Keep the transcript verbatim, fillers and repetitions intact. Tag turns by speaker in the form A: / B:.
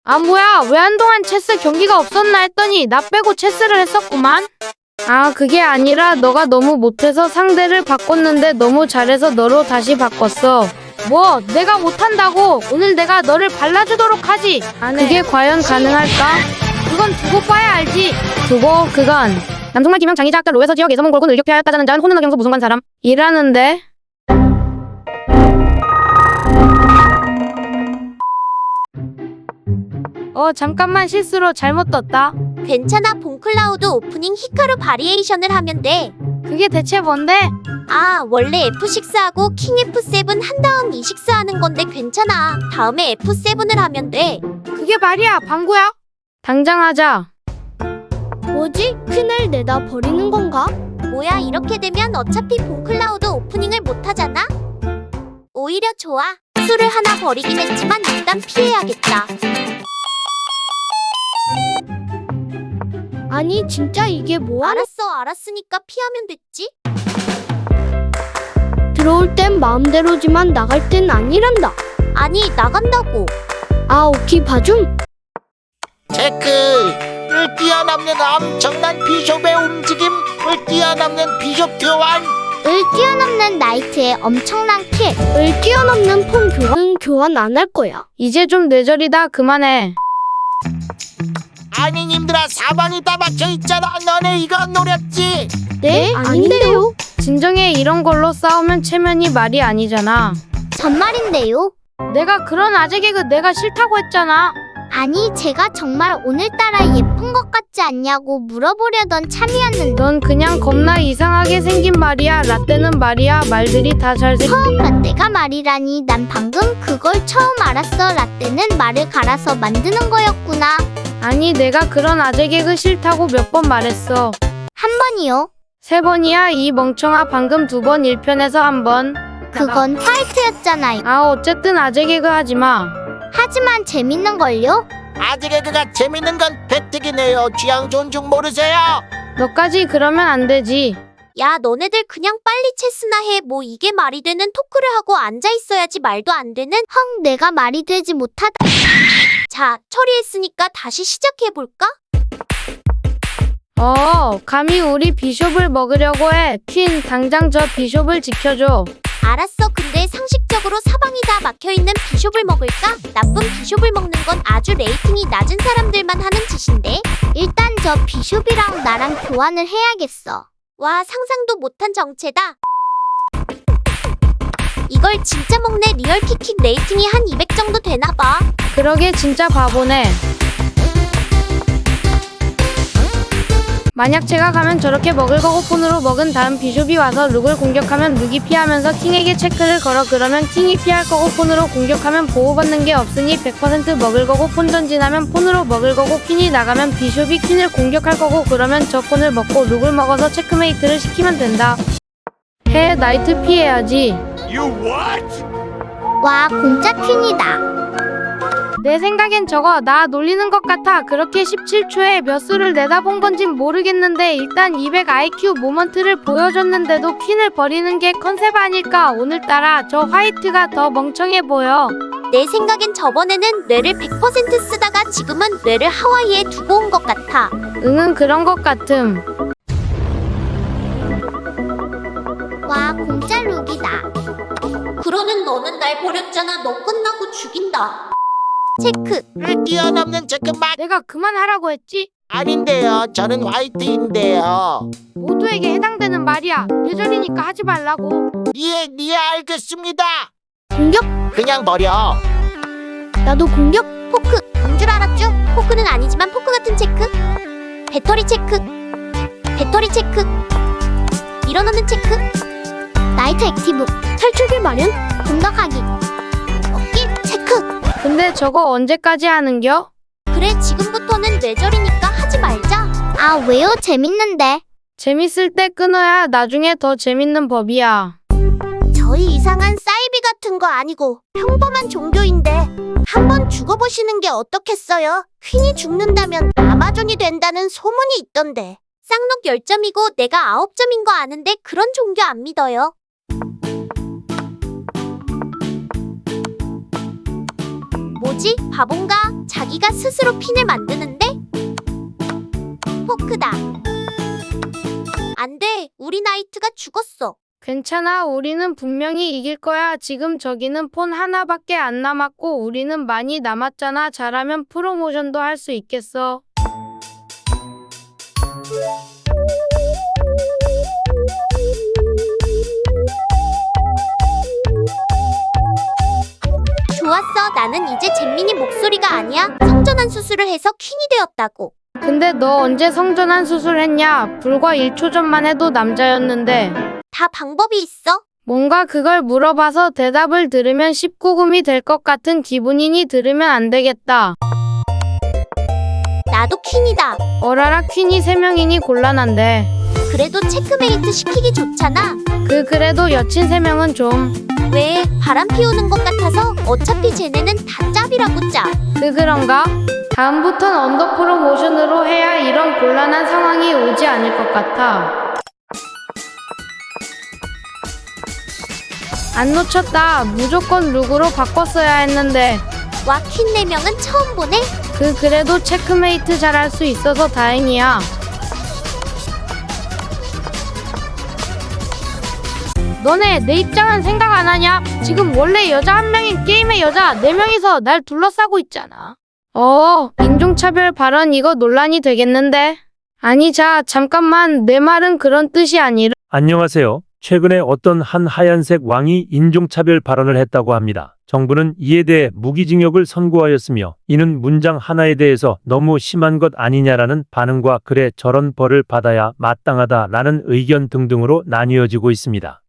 A: 아 뭐야, 왜 한동안 체스 경기가 없었나 했더니 나 빼고 체스를 했었구만. 아 그게 아니라 너가 너무 못해서 상대를 바꿨는데 너무 잘해서 너로 다시 바꿨어. 뭐 내가 못한다고 오늘 내가 너를 발라주도록 하지. 그게 과연 가능할까? 그건 두고 봐야 알지. 두고 그건 남성말 기명 장의자 학자 로에서 지역 예서문 골곤 을격퇴하였다자는 자는 호는 의경서 무슨 관 사람 이라는데. 어 잠깐만 실수로 잘못 떴다.
B: 괜찮아. 본클라우드 오프닝 히카루 바리에이션을 하면 돼.
A: 그게 대체 뭔데?
B: 아 원래 에프 식스하고 킹 에프 세븐 한 다음 이 식스 하는 건데 괜찮아. 다음에 에프 세븐을 하면 돼.
A: 그게 말이야 방구야? 당장 하자.
C: 뭐지? 퀸을 내다 버리는 건가?
B: 뭐야 이렇게 되면 어차피 본클라우드 오프닝을 못하잖아? 오히려 좋아. 수를 하나 버리긴 했지만 일단 피해야겠다.
C: 아니 진짜 이게 뭐하는.
B: 알았어 알았으니까 피하면 됐지?
C: 들어올 땐 마음대로지만 나갈 땐 아니란다.
B: 아니 나간다고.
C: 아 오키 봐줌.
D: 체크를 뛰어넘는 엄청난 비숍의 움직임을 뛰어넘는 비숍 교환.
B: 을 뛰어넘는 나이트의 엄청난 킬.
C: 을 뛰어넘는 폰 교환은 교환 안 할 거야.
A: 이제 좀 뇌절이다. 그만해.
D: 아니 님들아 사방이 다 막혀있잖아. 너네 이거 노렸지?
C: 네? 아닌데요.
A: 진정해. 이런 걸로 싸우면 체면이 말이 아니잖아.
B: 전말인데요.
A: 내가 그런 아재 개그 내가 싫다고 했잖아.
B: 아니 제가 정말 오늘따라 예쁜 것 같지 않냐고 물어보려던 참이었는데
A: 넌 그냥 겁나 이상하게 생긴 말이야. 라떼는 말이야 말들이 다 잘생.
B: 처음 라떼가 말이라니. 난 방금 그걸 처음 알았어. 라떼는 말을 갈아서 만드는 거였구나.
A: 아니 내가 그런 아재 개그 싫다고 몇 번 말했어.
B: 한 번이요?
A: 세 번이야 이 멍청아. 방금 두 번 일 편에서 한 번.
B: 그건 화이트였잖아요.
A: 아 어쨌든 아재 개그 하지마.
B: 하지만 재밌는걸요?
D: 아재 개그가 재밌는 건 팩트기네요. 취향 존중 모르세요?
A: 너까지 그러면 안 되지.
B: 야 너네들 그냥 빨리 체스나 해. 뭐 이게 말이 되는 토크를 하고 앉아있어야지. 말도 안 되는. 헝 내가 말이 되지 못하다. 자 처리했으니까 다시 시작해볼까?
A: 어 감히 우리 비숍을 먹으려고 해. 퀸 당장 저 비숍을 지켜줘.
B: 알았어. 근데 상식적으로 사방이 다 막혀있는 비숍을 먹을까? 나쁜 비숍을 먹는 건 아주 레이팅이 낮은 사람들만 하는 짓인데. 일단 저 비숍이랑 나랑 교환을 해야겠어. 와 상상도 못한 정체다. 이걸 진짜 먹네. 리얼 킥킥 레이팅이 한 이백 정도 되나봐.
A: 그러게 진짜 바보네. 만약 제가 가면 저렇게 먹을 거고 폰으로 먹은 다음 비숍이 와서 룩을 공격하면 룩이 피하면서 킹에게 체크를 걸어. 그러면 킹이 피할 거고 폰으로 공격하면 보호받는 게 없으니 백 퍼센트 먹을 거고 폰 전진하면 폰으로 먹을 거고 퀸이 나가면 비숍이 퀸을 공격할 거고 그러면 저 폰을 먹고 룩을 먹어서 체크메이트를 시키면 된다. 해 나이트 피해야지.
B: 와 공짜 퀸이다.
A: 내 생각엔 저거 나 놀리는 것 같아. 그렇게 십칠 초에 몇 수를 내다본 건진 모르겠는데 일단 이백 아이큐 모먼트를 보여줬는데도 퀸을 버리는 게 컨셉 아닐까. 오늘따라 저 화이트가 더 멍청해 보여.
B: 내 생각엔 저번에는 뇌를 백 퍼센트 쓰다가 지금은 뇌를 하와이에 두고 온 것 같아.
A: 응응 그런 것 같음.
B: 와 공짜 룩이다. 그러는 너는 날 버렸잖아. 너 끝나고 죽인다. 체크.
D: 를 뛰어넘는 체크 막.
A: 내가 그만하라고 했지?
D: 아닌데요. 저는 화이트인데요.
A: 모두에게 해당되는 말이야. 예절이니까 하지 말라고.
D: 예, 예 알겠습니다.
C: 공격.
D: 그냥 버려.
C: 나도 공격.
B: 포크. 뭔 줄 알았죠? 포크는 아니지만 포크 같은 체크. 배터리 체크. 배터리 체크. 밀어넣는 체크. 나이트 액티브.
C: 탈출길 마련.
B: 공격하기. 어깨 체크.
A: 근데 저거 언제까지 하는겨?
B: 그래 지금부터는 뇌절이니까 하지 말자. 아 왜요? 재밌는데.
A: 재밌을 때 끊어야 나중에 더 재밌는 법이야.
B: 저희 이상한 사이비 같은 거 아니고 평범한 종교인데 한번 죽어보시는 게 어떻겠어요? 퀸이 죽는다면 아마존이 된다는 소문이 있던데. 쌍록 열 점이고 내가 아홉 점인 거 아는데 그런 종교 안 믿어요. 뭐지? 뭐지? 바본가? 자기가 스스로 핀을 만드는데? 포크다. 안 돼. 우리 나이트가 죽었어.
A: 괜찮아. 우리는 분명히 이길 거야. 지금 저기는 폰 하나밖에 안 남았고 우리는 많이 남았잖아. 잘하면 프로모션도 할 수 있겠어.
B: 좋았어. 나는 이제 잼민이 목소리가 아니야. 성전환 수술을 해서 퀸이 되었다고.
A: 근데 너 언제 성전환 수술했냐? 불과 일 초 전만 해도 남자였는데.
B: 다 방법이 있어.
A: 뭔가 그걸 물어봐서 대답을 들으면 십구 금이 될 것 같은 기분이니 들으면 안 되겠다.
B: 나도 퀸이다.
A: 어라라 퀸이 세 명이니 곤란한데.
B: 그래도 체크메이트 시키기 좋잖아.
A: 그 그래도 여친 세 명은 좀.
B: 왜? 바람 피우는 것 같아서. 어차피 쟤네는 다 짭이라고 짭.
A: 그 그런가? 다음부턴 언더 프로모션으로 해야 이런 곤란한 상황이 오지 않을 것 같아. 안 놓쳤다. 무조건 룩으로 바꿨어야 했는데.
B: 와, 퀸 네 명은 처음 보네.
A: 그 그래도 체크메이트 잘할 수 있어서 다행이야. 너네 내 입장은 생각 안 하냐? 지금 원래 여자 한 명인 게임의 여자 네 명이서 날 둘러싸고 있잖아. 어, 인종차별 발언 이거 논란이 되겠는데? 아니 자, 잠깐만. 내 말은 그런 뜻이 아니라.
E: 안녕하세요. 최근에 어떤 한 하얀색 왕이 인종차별 발언을 했다고 합니다. 정부는 이에 대해 무기징역을 선고하였으며 이는 문장 하나에 대해서 너무 심한 것 아니냐라는 반응과 그래 저런 벌을 받아야 마땅하다라는 의견 등등으로 나뉘어지고 있습니다.